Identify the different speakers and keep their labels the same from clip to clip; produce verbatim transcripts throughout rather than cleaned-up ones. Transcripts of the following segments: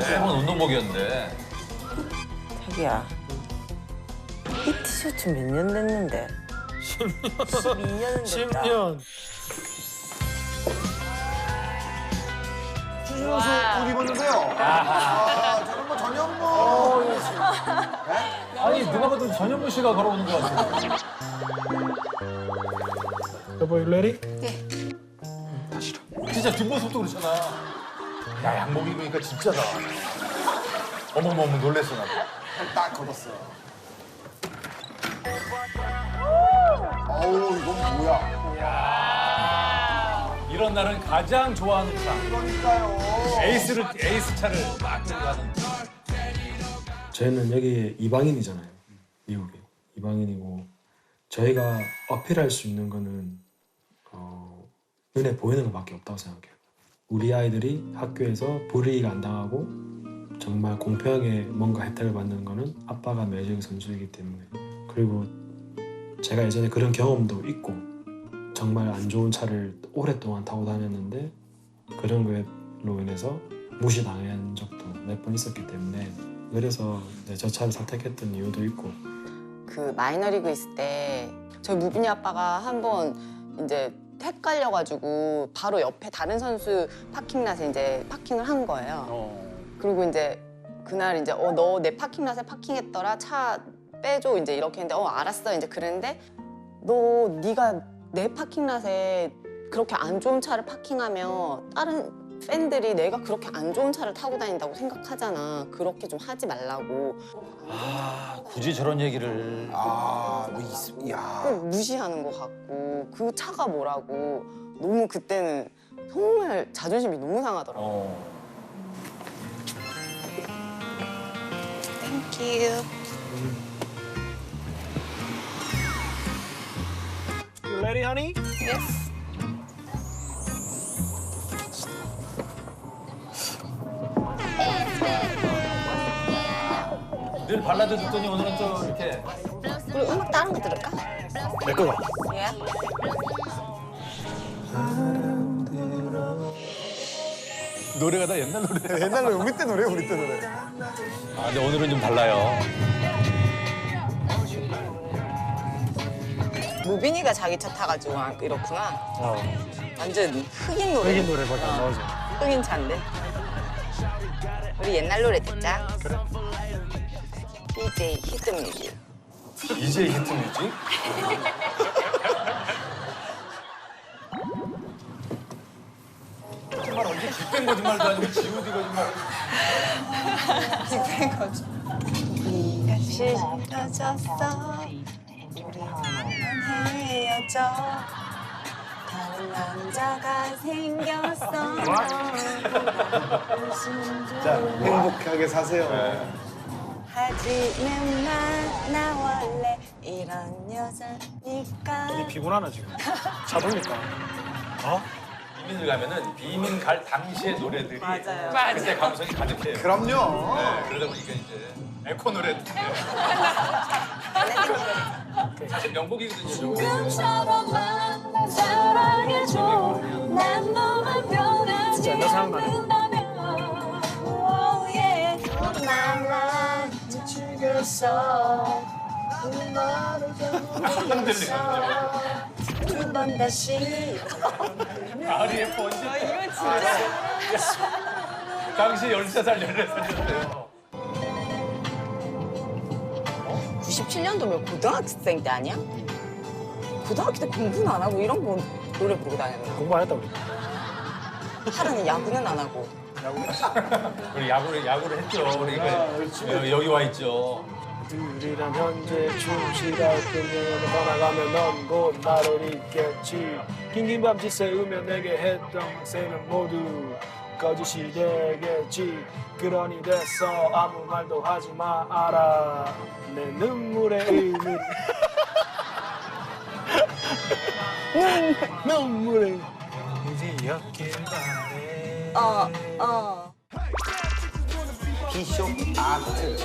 Speaker 1: 매번 운동복이었는데.
Speaker 2: 자기야, 이 티셔츠 몇 년 됐는데?
Speaker 3: 십 년.
Speaker 2: 십이 년은 됐다.
Speaker 3: 십 년.
Speaker 4: 추진호 씨옷 입었는데요. 아, 저는 뭐 전현무.
Speaker 1: 아니 누가 봐도 전현무 씨가 걸어오는 것 같아요.
Speaker 3: 여보, you ready?
Speaker 1: 진짜 뒷모습도 그렇잖아. 야 양복 입으니까 진짜다. 어머머머 놀랬어 나.
Speaker 4: 딱 걷었어. 어우, 이건 뭐야?
Speaker 1: 이런 날은 가장 좋아하는 차.
Speaker 4: 그러니까요.
Speaker 1: 에이스를 에이스 차를 막 끌고 가는.
Speaker 5: 저희는 여기 이방인이잖아요. 미국에 이방인이고 저희가 어필할 수 있는 거는 어, 눈에 보이는 것밖에 없다고 생각해요. 우리 아이들이 학교에서 불이익 안 당하고 정말 공평하게 뭔가 혜택을 받는 거는 아빠가 메이저리그 선수이기 때문에. 그리고 제가 예전에 그런 경험도 있고 정말 안 좋은 차를 오랫동안 타고 다녔는데 그런 걸로 인해서 무시당한 적도 몇 번 있었기 때문에 그래서 이제 저 차를 선택했던 이유도 있고.
Speaker 6: 그 마이너리그 있을 때 저희 무빈이 아빠가 한번 이제 헷갈려가지고 바로 옆에 다른 선수 파킹랏에 이제 파킹을 한 거예요. 그리고 이제 그날 이제 어 너 내 파킹랏에 파킹했더라, 차 빼줘 이제 이렇게 했는데 어 알았어 이제 그랬는데 너 네가 내 파킹랏에 그렇게 안 좋은 차를 파킹하면 다른 팬들이 내가 그렇게 안 좋은 차를 타고 다닌다고 생각하잖아. 그렇게 좀 하지 말라고.
Speaker 1: 아 굳이 저런 얘기를.
Speaker 4: 아, 뭐, 있, 야.
Speaker 6: 꼭 무시하는 것 같고 그 차가 뭐라고 너무 그때는 정말 자존심이 너무 상하더라고.
Speaker 1: 어.
Speaker 6: 땡큐.
Speaker 3: You ready, honey?
Speaker 6: 예스.
Speaker 1: 늘 발라드 듣더니 오늘은 또 이렇게.
Speaker 6: 그리고 음악 다른 거 들을까?
Speaker 3: 내 거가.
Speaker 6: 예.
Speaker 1: 노래가 다 옛날 노래.
Speaker 4: 옛날 노래, 우리 때 노래, 우리 때 노래.
Speaker 1: 아 근데 오늘은 좀 달라요.
Speaker 6: 무빈이가 자기 차 타가지고 아, 이렇구나.
Speaker 3: 어.
Speaker 6: 완전 흑인 노래.
Speaker 3: 흑인 노래밖에 안 나오죠.
Speaker 6: 흑인 차인데. 우리 옛날 노래 듣자.
Speaker 3: 그래.
Speaker 6: 디제이 히트뮤직.
Speaker 1: 이제 히트 뮤직? 정말 언제 빅뱅 거짓말도 아니고 지오디 거짓말.
Speaker 6: 빅뱅 거죠. 네가 싫어졌어. 우리는 헤어져. 다른 남자가 생겼어.
Speaker 4: 자, 행복하게 사세요.
Speaker 6: 하지는 마, 나 원래 이런 여자니까.
Speaker 3: 어디 피곤하나 지금? 차 돌릴까? 어?
Speaker 1: 이민을 가면은 비민 갈 당시의 노래들이
Speaker 6: 맞아요.
Speaker 1: 그때 감성이 가득해요.
Speaker 4: 그럼요.
Speaker 1: 네, 그러다 보니까 이제 에코 노래 듣는데 사실 명곡이거든요.
Speaker 7: 지금처럼만 날 사랑해줘. 난 너만 변하지
Speaker 3: 진짜 옛날 생각나네.
Speaker 7: 않는다면 oh yeah. 말라 죽였어. 두 번 다시
Speaker 1: 아리의 번지.
Speaker 6: 이건 진짜.
Speaker 1: 당시 열세 살, 열네 살이었어요.
Speaker 6: 구십칠 년도면 고등학생 때 아니야? 고등학교 때 공부는 안 하고 이런 거 노래 부르고 다녔나?
Speaker 3: 공부 안 했다 우리.
Speaker 6: 하루는 야구는 안 하고.
Speaker 1: 우리 야구를 야구를 했죠. 그러니까 여- 여기 와 있죠.
Speaker 3: 우리란 현재 충실할 뿐이면 떠나가면 넌 곧 나를 잊겠지. 긴긴 밤짓 새우며 내게 했던 셈은 모두 거짓이 되겠지. 그러니 됐어 아무 말도 하지 마라. 내 눈물의 의미. 눈물의 의미였길 바래.
Speaker 6: 어, 어.
Speaker 4: 비숍 아트.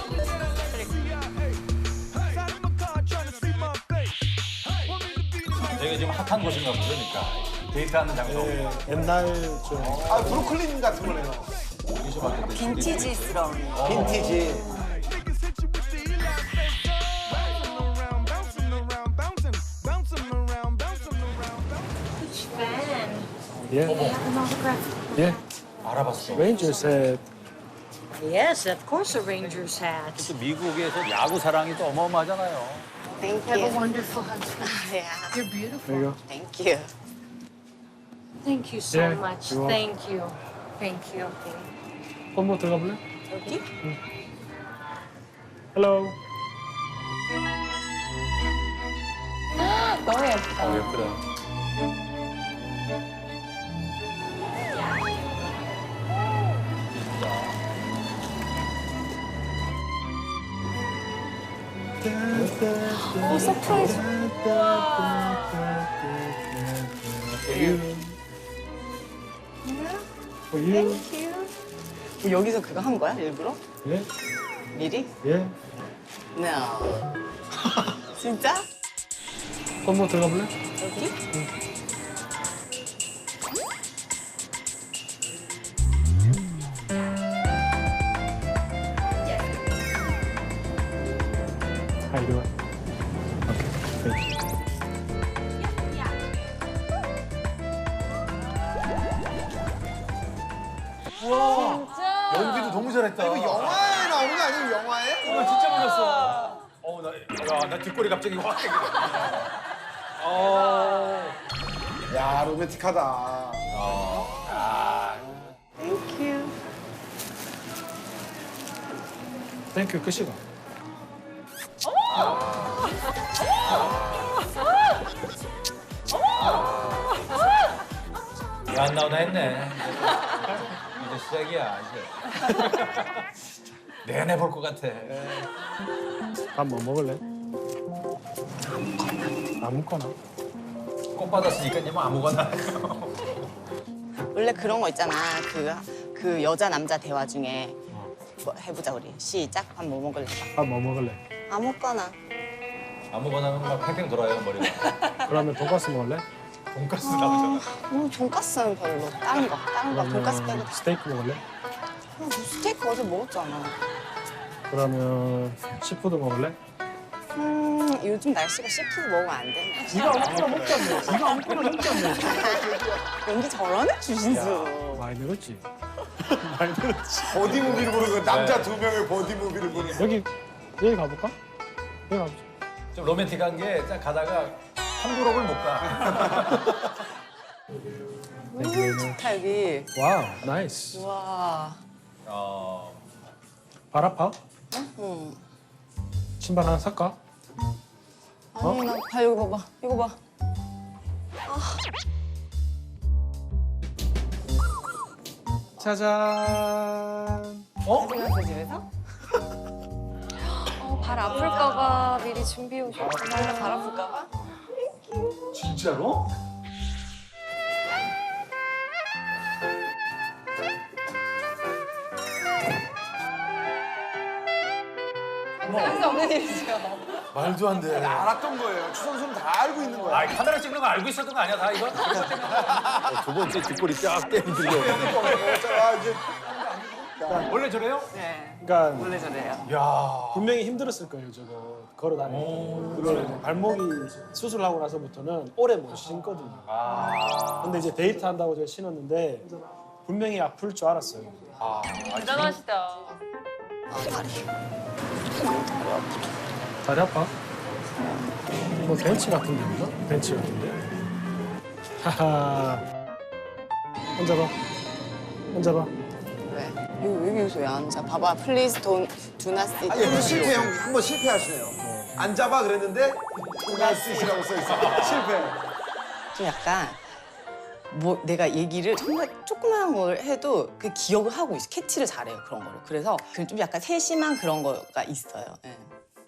Speaker 1: 되게 지금 핫한 곳인가 보니까 데이트하는 장소.
Speaker 3: 네, 옛날 좀
Speaker 4: 아, 브루클린 같은 거네요.
Speaker 2: 빈티지스러운.
Speaker 4: 빈티지.
Speaker 3: Yeah. Yeah.
Speaker 1: 알아봤어.
Speaker 3: Rangers had.
Speaker 7: Yes, of course a Rangers hat.
Speaker 8: 또 미국에서 야구 사랑이 또 어마어마하잖아요.
Speaker 6: Thank
Speaker 7: Have a
Speaker 6: you.
Speaker 7: wonderful husband.
Speaker 6: Yeah,
Speaker 7: You're beautiful.
Speaker 3: There you go.
Speaker 6: thank you.
Speaker 7: Thank you so
Speaker 3: Yeah,
Speaker 7: much.
Speaker 3: you're welcome.
Speaker 7: Thank you. Thank you.
Speaker 3: 한번 들어가 볼래?
Speaker 6: 여기?
Speaker 3: Hello.
Speaker 6: 너무 예쁘다.
Speaker 1: 어, 예쁘다.
Speaker 7: 오, 서프라이즈.
Speaker 3: For you.
Speaker 6: 뭐 여기서 그거 한 거야 일부러?
Speaker 3: Yeah.
Speaker 6: 미리?
Speaker 3: Yeah.
Speaker 6: No. 진짜?
Speaker 3: 한번 들어가 볼래?
Speaker 6: 여기?
Speaker 3: How you doing? Okay. Thank you.
Speaker 1: 연기도 너무 잘했다.
Speaker 4: 이거 영화에 나오는 거 아니에요? 영화에?
Speaker 1: 이거 진짜 몰랐어. 어, 나, 야, 나 뒷골이 갑자기 확 땡기네. 어.
Speaker 4: 야, 로맨틱하다.
Speaker 1: 아,
Speaker 6: Thank you.
Speaker 3: Thank you. 끝이다.
Speaker 1: 이거 안 나오나 했네. 이제 시작이야, 이제. 내내 볼 것 같아.
Speaker 3: 밥 뭐 먹을래? 아무거나.
Speaker 1: 꽃 받았으니까 이제 뭐 아무거나.
Speaker 6: 원래 그런 거 있잖아. 그, 그 여자 남자 대화 중에 뭐 해보자 우리. 시작. 밥 뭐 먹을래?
Speaker 3: 밥 뭐 먹을래?
Speaker 6: 아무거나.
Speaker 1: 아무거나는 막 팽팽 돌아요, 머리가.
Speaker 3: 그러면 돈가스 먹을래?
Speaker 1: 돈가스 나오잖아.
Speaker 6: 음, 돈까스는 별로. 다른 거. 다른 거. 돈까스 빼고.
Speaker 3: 그러면 스테이크 먹을래?
Speaker 6: 아, 뭐 스테이크 어제 먹었잖아.
Speaker 3: 그러면 시푸드 먹을래?
Speaker 6: 음, 요즘 날씨가 시푸드 먹으면 안 되나?
Speaker 3: 네가 아무거나 먹자며. 네가 아무거나 먹자며.
Speaker 6: 연기 저러네, 주신수.
Speaker 3: 많이 늘었지? 많이 늘었지.
Speaker 4: 버디 무비를 보는 거 남자 두 명의 버디 무비를 보는 거.
Speaker 3: 여기 여기 가볼까? 여기 가보자.
Speaker 1: 좀 로맨틱한 게 딱 가다가 한 그룹을 못 가.
Speaker 3: 네,
Speaker 6: 좋다, 여기.
Speaker 3: 와우, 나이스.
Speaker 6: 와.
Speaker 1: 어,
Speaker 3: 발 아파?
Speaker 6: 응.
Speaker 3: 신발 하나 살까?
Speaker 6: 아니, 나, 봐, 이거 봐봐. 이거 봐.
Speaker 3: 짜잔.
Speaker 1: 어?
Speaker 6: 찍었어, 집에서?
Speaker 7: 어, 발 아플까봐 미리 준비해 오셨구나.
Speaker 6: 발 아플까봐?
Speaker 1: 진짜로?
Speaker 6: 할수 없는 일이죠.
Speaker 1: 말도 안 돼.
Speaker 4: 알았던 거예요. 추 선수는 다 알고 있는 거야.
Speaker 1: 아, 카메라 찍는 거 알고 있었던 거 아니야, 다 이거?
Speaker 8: 두 번째 뒷골이 쫙 때리들려.
Speaker 4: 자, 이제
Speaker 1: 원래 저래요?
Speaker 6: 네.
Speaker 3: 그러니까
Speaker 6: 원래 저래요.
Speaker 1: 야.
Speaker 3: 분명히 힘들었을 거예요, 저거. 걸어 다니는
Speaker 1: 오.
Speaker 3: 게. 그걸 이제 발목이 수술하고 나서부터는 오래 못 신거든요.
Speaker 1: 아.
Speaker 3: 근데 이제 데이트 한다고 제가 신었는데 분명히 아플 줄 알았어요.
Speaker 1: 아,
Speaker 7: 대단하시다.
Speaker 6: 아, 다리.
Speaker 3: 다리 아파? 뭐 벤치 같은 데인가? 벤치 같은데? 하하. 앉아봐. 앉아봐.
Speaker 6: 왜? 여기, 여기 여기서 왜 앉아? 봐봐. Please don't, do not sit.
Speaker 4: 아, 여기 실패 형 한번 실패하시네요. 앉아봐 그랬는데 나스시라고 써 있어. 실패.
Speaker 6: 좀 약간 뭐 내가 얘기를 정말 조그마한 걸 해도 그 기억을 하고 있어. 캐치를 잘해요, 그런 거를. 그래서 그 좀 약간 세심한 그런 거가 있어요. 예.